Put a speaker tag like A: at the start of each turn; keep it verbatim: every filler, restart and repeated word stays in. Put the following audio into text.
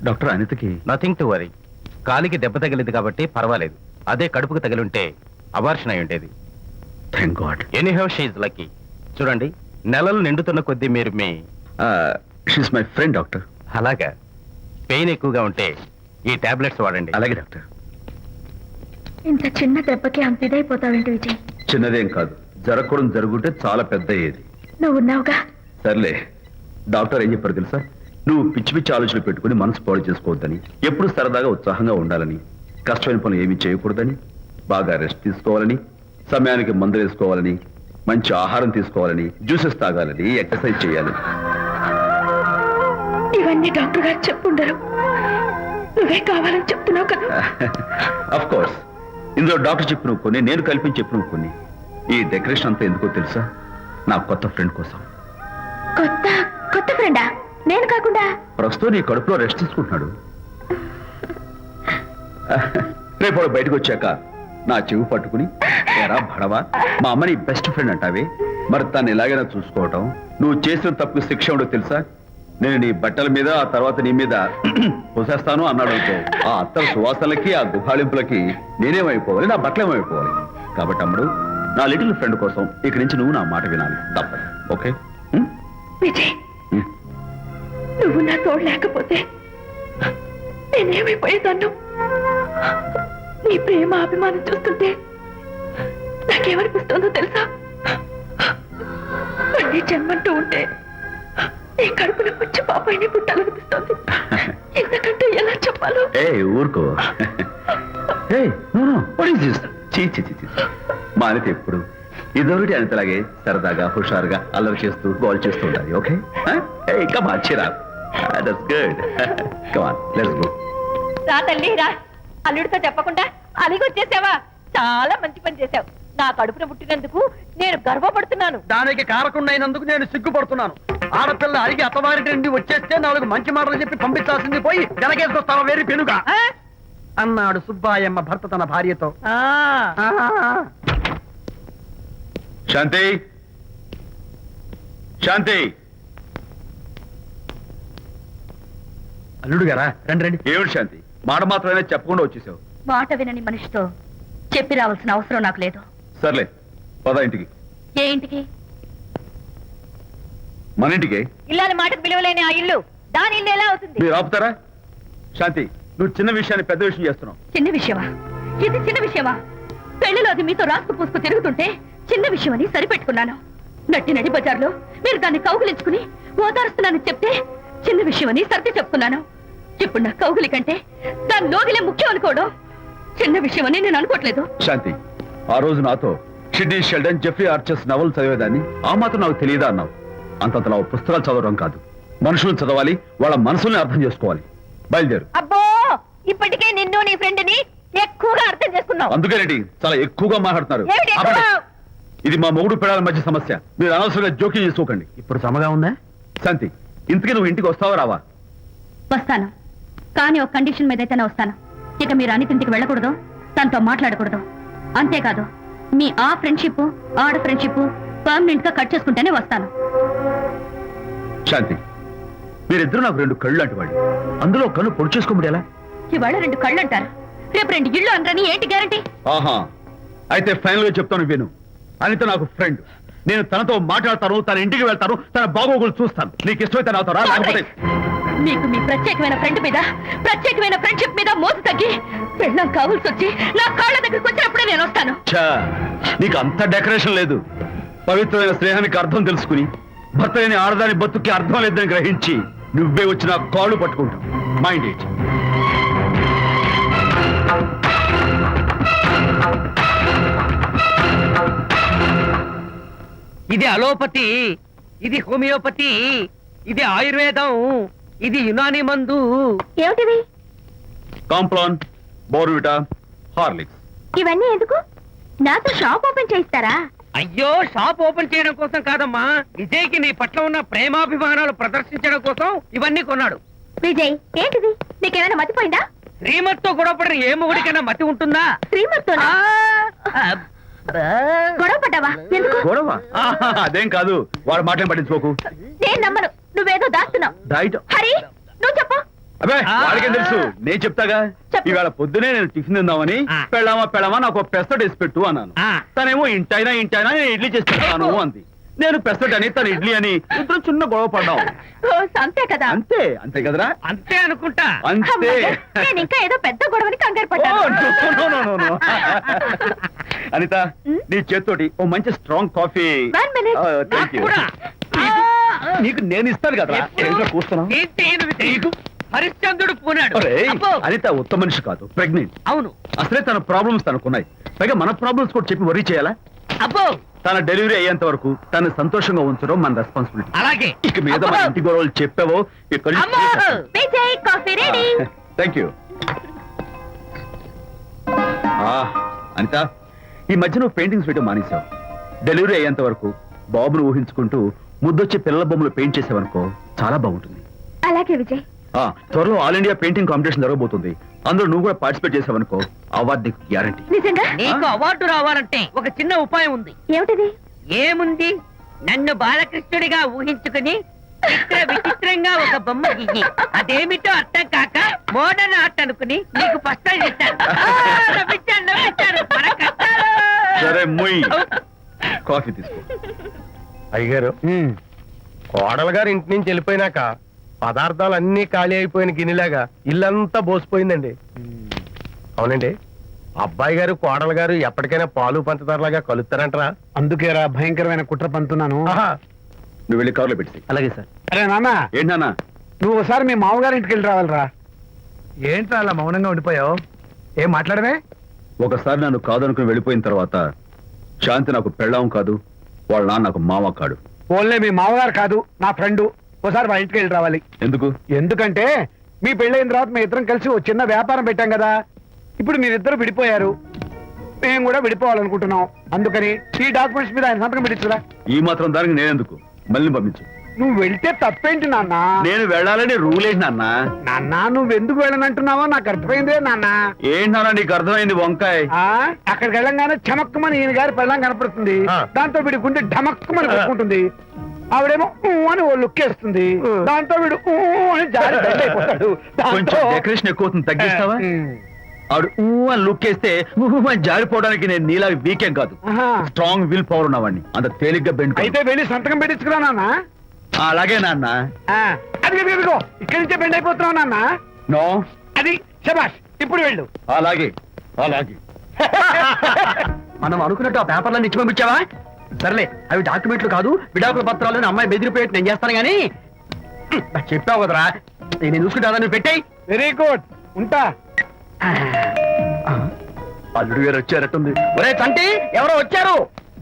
A: Doctor అనితకి
B: nothing to worry. కాలికి దెబ్బ తగిలింది కాబట్టి పర్వాలేదు. అదే కడుపుకు తగిలి ఉంటే అబార్షన్ అయి ఉండేది.
A: Thank God.
B: Anyhow she is lucky. చూడండి, నెలలు నిండుతున్న కొద్దీ మీరు మీ
A: షీస్ మై ఫ్రెండ్ డాక్టర్.
B: అలాగా. పెయిన్ ఎక్కువగా ఉంటే ఈ టాబ్లెట్స్ వాడండి.
A: అలాగే డాక్టర్.
C: ఇంత చిన్న దెబ్బకి అంత ఇదైపోతావేంటి విజయ్?
A: చిన్నదేం కాదు, జరగకూడదు జరుగుంటే చాలా పెద్ద అయ్యేది.
C: నువ్వు ఉన్నావుగా.
A: సర్లే. డాక్టర్ ఏం చెప్పారు తెలుసా? నువ్వు పిచ్చి పిచ్చి ఆలోచనలు పెట్టుకుని మనసు పాడు చేసుకోవద్దని, ఎప్పుడు సరదాగా ఉత్సాహంగా ఉండాలని, కష్టమైన పనులు ఏమీ చేయకూడదని, బాగా రెస్ట్ తీసుకోవాలని, సమయానికి మందులు వేసుకోవాలని, మంచి ఆహారం తీసుకోవాలని, జ్యూసెస్ తాగాలని, ఎక్సర్సైజ్ చేయాలి.
C: ఇవన్నీ డాక్టర్ గారు చెప్పుండరు, నువ్వే కావాలని చెప్తున్నావు కదా.
A: అఫ్ కోర్స్, ఇందులో డాక్టర్ చెప్పిన కొన్ని, నేను కల్పించి చెప్పిన కొన్ని. ఈ డెకరేషన్ అంతా ఎందుకో తెలుసా? నా కొత్త ఫ్రెండ్ కోసం.
C: కొత్త కొత్త ఫ్రెండా? నేను కాకుండా?
A: ప్రస్తుతం నీ కడుపులో రెస్ట్ తీసుకుంటున్నాడు. రేపు బయటకు వచ్చాక నా చెవి పట్టుకుని, ఎరా భడవా, మా అమ్మని బెస్ట్ ఫ్రెండ్ అంటావే, మరి తను ఎలాగైనా చూసుకోవటం, నువ్వు చేసిన తప్పుకు శిక్ష ఉండో తెలుసా? నేను నీ బట్టల మీద, ఆ తర్వాత నీ మీద పోసేస్తాను అన్నాడు అనుకో, ఆ అత్తల సువాసనలకి, ఆ గుహాళింపులకి నేనేమైపోవాలి, నా బట్టలేమైపోవాలి. కాబట్టి అమ్ముడు, నా లిటిల్ ఫ్రెండ్ కోసం ఇక్కడి నుంచి నువ్వు నా మాట వినాలి, తప్పదు. ఓకే?
C: విజయ్, నువ్వు నా తోడు లేకపోతే నేనేమైపోయేదాన్ను. నీ ప్రేమ అభిమానం చూస్తుంటే నాకేమనిపిస్తుందో తెలుసా? మళ్ళీ జన్మంటూ ఉంటే నీ కడుపున వచ్చి పాపాయిని పుట్టాలనిపిస్తుంది. ఎందుకంటే ఎలా చెప్పాలో.
A: ఏ ఊరుకో. మా అనిత ఎప్పుడు ఇదొకటి అనితలాగే సరదాగా హుషారుగా అల్లరి చేస్తూ గోల్ చేస్తూ ఉండాలి. ఓకే?
C: రా తల్లి రా. అల్లుడితో చెప్పకుండా అలిగొచ్చేసావా? చాలా మంచి పని చేశావు. నా కడుపున పుట్టినందుకు నేను గర్వపడుతున్నాను.
D: దానికి కారకుండైనందుకు నేను సిగ్గుపడుతున్నాను. ఆడపిల్ల అడిగి అత్తవారింటి నుండి వచ్చేస్తే నాలుగు మంచి మాటలు చెప్పి పంపించాల్సింది పోయి వెనకేసుకొస్తావా వేరు పెనుగా అన్నాడు సుబ్బాయమ్మ భర్త తన భార్యతో.
A: శాంతి, శాంతి.
D: అల్లుడు గారా, రండి రండి.
A: ఏమిటి శాంతి, మాట మాత్రమే చెప్పకుండా వచ్చేసావు?
C: మాట వినని మనిషితో చెప్పి రావాల్సిన అవసరం నాకు లేదు.
A: సర్లే, పద ఇంటికి.
C: ఏ ఇంటికి?
A: మన ఇంటికి.
C: ఇల్లాలి మాటకు విలువలేని ఆ ఇల్లు దాని ఇల్లు ఎలా అవుతుంది?
A: మీరు ఆపుతారా? శాంతి, నువ్వు చిన్న విషయాన్ని పెద్ద విషయం చేస్తున్నావు.
C: చిన్న విషయమా? ఇది చిన్న విషయమా? పెళ్లిలో అది మీతో రాసుకు పూసుకు తిరుగుతుంటే చిన్న విషయమని సరిపెట్టుకున్నాను. నట్టి నడి బజార్లో మీరు దాన్ని కౌగులించుకుని ఓదారుస్తున్నానని చెప్తే చిన్న విషయమని సర్ది చెప్తున్నాను. ఇప్పుడు నా కౌగులి కంటే దాని లోగిలే ముఖ్యం అనుకోవడం చిన్న విషయమని నేను అనుకోవట్లేదు.
A: శాంతి, ఆ రోజు నాతో షిడ్నీ షెల్డన్, జెఫ్రీ ఆర్చర్స్ నవలు చదివేదాన్ని, ఆ మాత్రం నాకు తెలియదా అన్నావు. అంతంతలా పుస్తకాలు చదవడం కాదు, మనుషులను చదవాలి, వాళ్ళ మనసుల్ని అర్థం చేసుకోవాలి. బయలుదేరు.
C: అబ్బో, ఇప్పటికే నిన్ను నీ ఫ్రెండ్ ని ఎక్కువగా అర్థం చేసుకున్నావు.
A: అందుకేనండి చాలా ఎక్కువగా మాట్లాడుతున్నారు.
C: ఏమిటి ఎక్కువ?
A: ఇది మా మొగుడు పిల్లల మధ్య సమస్య, మీరు అనవసరంగా జోక్యం చేసుకోకండి.
D: ఇప్పుడు సమగా ఉందా?
A: శాంతి, ఇంతకీ నువ్వు ఇంటికి వస్తావా రావా?
C: వస్తాను, కానీ ఒక కండిషన్ మీద అయితేనే వస్తాను. ఇక మీరు అనితింటికి వెళ్ళకూడదు, తనతో మాట్లాడకూడదు. అంతేకాదు, మీ ఆ ఫ్రెండ్షిప్ ఆడ ఫ్రెండ్షిప్ పర్మనెంట్ గా కట్ చేసుకుంటేనే వస్తాను.
A: శాంతి, మీరిద్దరు నాకు రెండు కళ్ళు లాంటి వాళ్ళు, అందులో కళ్ళు పొడి చేసుకోబడి ఎలా?
C: ఇవాళ రెండు కళ్ళు అంటారు, రేపు రెండు ఇళ్ళు అంటారని ఏంటి గ్యారంటీ?
A: ఆహా, అయితే ఫైనల్ గా చెప్తాను విను. అనిత నాకు ఫ్రెండ్, నేను తనతో మాట్లాడతాను, తన ఇంటికి వెళ్తాను, తన బాగోగులు చూస్తాను. నీకు ఇష్టమైతే నాతో రా, లేకపోతే
C: మీకు మీ ప్రత్యేకమైన ఫ్రెండ్ మీద, ప్రత్యేకమైన ఫ్రెండ్షిప్ మీద మోసు తగ్గి పెళ్ళం కావాల్సి వచ్చి నా కాళ్ళ దగ్గరికి వచ్చినప్పుడే నేను వస్తాను.
A: నీకు అంత డెకరేషన్ లేదు. పవిత్రమైన స్నేహానికి అర్థం తెలుసుకుని భర్త లేని ఆడదాని బతుక్కి అర్థం లేదని గ్రహించి నువ్వే వచ్చి నా కాళ్ళు పట్టుకుంటావు. Mind it.
D: ఇది అలోపతి, ఇది హోమియోపతి, ఇది ఆయుర్వేదం, ఇది యునాని మందు.
C: ఏమిటివి?
A: Complan, Bournvita, Horlicks.
C: ఇవన్నీ ఎందుకు? నాతో షాప్ ఓపెన్ చేయిస్తారా?
D: అయ్యో, షాప్ ఓపెన్ చేయడం కోసం కాదమ్మా, విజయ్కి నీ పట్ల ఉన్న ప్రేమాభిమానాలు ప్రదర్శించడం కోసం ఇవన్నీ కొన్నాడు.
C: విజయ్, ఏంటిది? నీకేమైనా మతిపోయిందా?
D: శ్రీమతితో గొడవపడిన ఏ మొగుడికైనా మతి ఉంటుందా?
C: శ్రీమతితో గొడవ పడ్డావా? ఎందుకు
A: గొడవ? అదేం కాదు, వాడు మాటలు పట్టించుకోకు.
C: నేను నమ్మను, నువ్వేదో దాస్తున్నావు.
A: డైట్.
C: హరి, నువ్వు చెప్పు.
A: అబ్బే
D: ఆ.
A: వాడికేం తెలుసు నేను చెప్తాగా
C: చెప్పు.
A: ఇవాళ పొద్దునే నేను టిఫిన్ తిందామని
D: ఆ.
A: పెళ్ళామా పెళ్ళామా నాకు ఒక పెసరట్ వేసి పెట్టు అన్నాను
D: ఆ.
A: తనేమో ఇంటైనా ఇంటైనా నేను ఇడ్లీ చేసి పెడతాను అంది. నేను పెసరట్ అని తను ఇడ్లీ అని ఇద్దరు చిన్న గొడవ పడ్డాం.
C: ఓ, అంతే కదా
A: అంతే అంతే కదరా
D: అంతే అనుకుంటా
A: అంతే
C: అమ్మయ్య, నేను ఇంకా ఏదో పెద్ద గొడవని కంగారు
A: ఓ,
C: పడ్డాను
A: no, no, no, no, no. Anitha
C: ఉమ్?
A: నీ చేత్తోటి ఓ మంచి strong coffee
C: One minute.
A: Thank you
D: కూడా.
A: నీకు నేను ఇస్తాను కదా
D: ఎప్పుడు?
A: కూస్తున్నావు
D: ఏంటి ఈయనది తెలియదు? హరిశ్చంద్రుడు పూనాడు
A: ఒరేయ్,
D: అబ్బో.
A: అనిత ఉత్తమ మనిషి కాదు ప్రెగ్నెంట్
D: అవును
A: అసలే తన ప్రాబ్లమ్స్ తనకున్నాయి పైగా మన ప్రాబ్లమ్స్ కూడా చెప్పి వరీ చేయాలా
D: అబ్బో
A: తన డెలివరీ అయ్యేంత వరకు తను సంతోషంగా ఉంచడం మన రెస్పాన్సిబిలిటీ
D: అలాగే
A: ఇక మీద మన ఇంటి గొడవలు చెప్పావో ఇక్కడ
D: అమ్మో.
C: Vijay coffee ready
A: thank you Anitha ఈ మధ్య నువ్వు పెయింటింగ్స్ వేయడం మానేశావు డెలివరీ అయ్యేంత వరకు బాబును ఊహించుకుంటూ ముద్దొచ్చి పిల్లల బొమ్మలు పెయింట్ చేసావనుకో చాలా బాగుంటుంది
C: అలాగే విజయ్
A: ఆ, త్వరలో ఆల్ ఇండియా పెయింటింగ్ కాంపిటీషన్ జరగబోతుంది అందులో నువ్వు కూడా పార్టిసిపేట్ చేసావనుకో అవార్డు నీకు గ్యారంటీ
C: నిజంగా
D: నీకు అవార్డు రావాలంటే ఒక చిన్న ఉపాయం ఉంది
C: ఏమిటిది
D: ఏముంది నన్ను బాలకృష్ణుడిగా ఊహించుకుని చిత్ర విచిత్రంగా ఒక బొమ్మ గీయి అదేమిటో అర్థం కాక మోడర్న్ ఆర్ట్ అనుకుని నీకు ఫస్ట్ ప్రైజ్ ఇస్తాను ఆ, నవ్వించాను, నవ్వించాను. మన కష్టాలు.
A: సరే ముయ్ కాఫీ తీసుకో
B: అయ్యగారు కోడలు గారు ఇంటి నుంచి వెళ్ళిపోయినాక పదార్థాలు అన్ని ఖాళీ అయిపోయిన గిన్నెలాగా ఇల్లంతా బోసిపోయిందండి అవునండి అబ్బాయి గారు కోడలు గారు ఎప్పటికైనా పాలు పంచదారలాగా కలుస్తారంటరా
E: అందుకేరా భయంకరమైన కుట్ర పంతున్నాను
A: నువ్వు వెళ్ళి కారులో పెట్టి
B: అలాగే సార్
E: అరే నాన్న
A: ఏంటన్నా
E: నువ్వు ఒకసారి మీ మామగారి ఇంటికి వెళ్ళి రావాలిరా ఏంట్రా అలా మౌనంగా ఉండిపోయావు ఏం మాట్లాడమే
A: ఒకసారి నన్ను కాదనుకుని వెళ్ళిపోయిన తర్వాత శాంతి నాకు పెళ్ళాం కాదు వాళ్ళ నాన్న నాకు మామ కాడు
E: ఓన్లే మీ మామగారు కాదు నా ఫ్రెండ్ ఒకసారి వాళ్ళ ఇంటికి వెళ్ళి రావాలి
A: ఎందుకు
E: ఎందుకంటే మీ పెళ్ళైన తర్వాత మీ ఇద్దరం కలిసి ఓ చిన్న వ్యాపారం పెట్టాం కదా ఇప్పుడు మీరిద్దరు విడిపోయారు మేము కూడా విడిపోవాలనుకుంటున్నాం అందుకని ఈ డాక్యుమెంట్స్ మీద ఆయన సంతకం పెట్టించురా
A: ఈ మాత్రం దానికి నేనెందుకు మళ్ళీ పంపించు
E: నువ్వు వెళ్తే తప్పేంటి నాన్న
A: నేను వెళ్ళాలని రూల్ ఏంటి నాన్న
E: నాన్న నువ్వు ఎందుకు వెళ్ళనంటున్నావో నాకు అర్థమైందే నాన్న
A: ఏంటి నాన్న నీకు అర్థమైంది వంకాయ
E: ఆ అక్కడికి వెళ్ళంగానే చమక్కుమని ఈయన గారి పెళ్ళం కనపడుతుంది
B: ఆ.
E: దాంతో వీడి గుండె ఢమక్కుమని కొట్టుకుంటుంది ఆవిడేమో ఊ అని ఓ లుక్ వేస్తుంది దాంతో వీడు ఊ అని జారి బెడ్ అయిపోతాడు
A: కొంచెం డెకరేషన్ ఎక్కువ అవుతుంది తగ్గిస్తావా ఆవిడ ఊ అని లుక్ వేస్తే ఊ అని జారిపోవడానికి నేను నీలా వీకేం కాదు స్ట్రాంగ్ విల్ పవర్ ఉన్నవాడిని అంత తేలిగ్గా బెండ్
E: అయితే వెళ్ళి సంతకం పెట్టించుకురా నాన్న
A: అలాగే నాన్న
E: ఆ, అది ఇదిగో ఇక్కడి నుంచే బెండ్ అయిపోతున్నావు నాన్న
A: నో
E: అది శబాష్ ఇప్పుడు వెళ్ళు
A: అలాగే అలాగే
D: మనం అనుకున్నట్టు ఆ పేపర్లను ఇచ్చి పంపించావా సర్లే అవి డాక్యుమెంట్లు కాదు విడాకుల పత్రాలు అని అమ్మాయి బెదిరిపోయేట్టు నేను చేస్తాను గానీ హ్మ్, నాకు చెప్పావు కదరా నేను చూసుకుంటా నువ్వు పెట్టాయి
E: వెరీ గుడ్ ఉంటా
A: అల్లుడు గారు వచ్చారట్టుంది
D: ఒరే చంటి ఎవరో వచ్చారు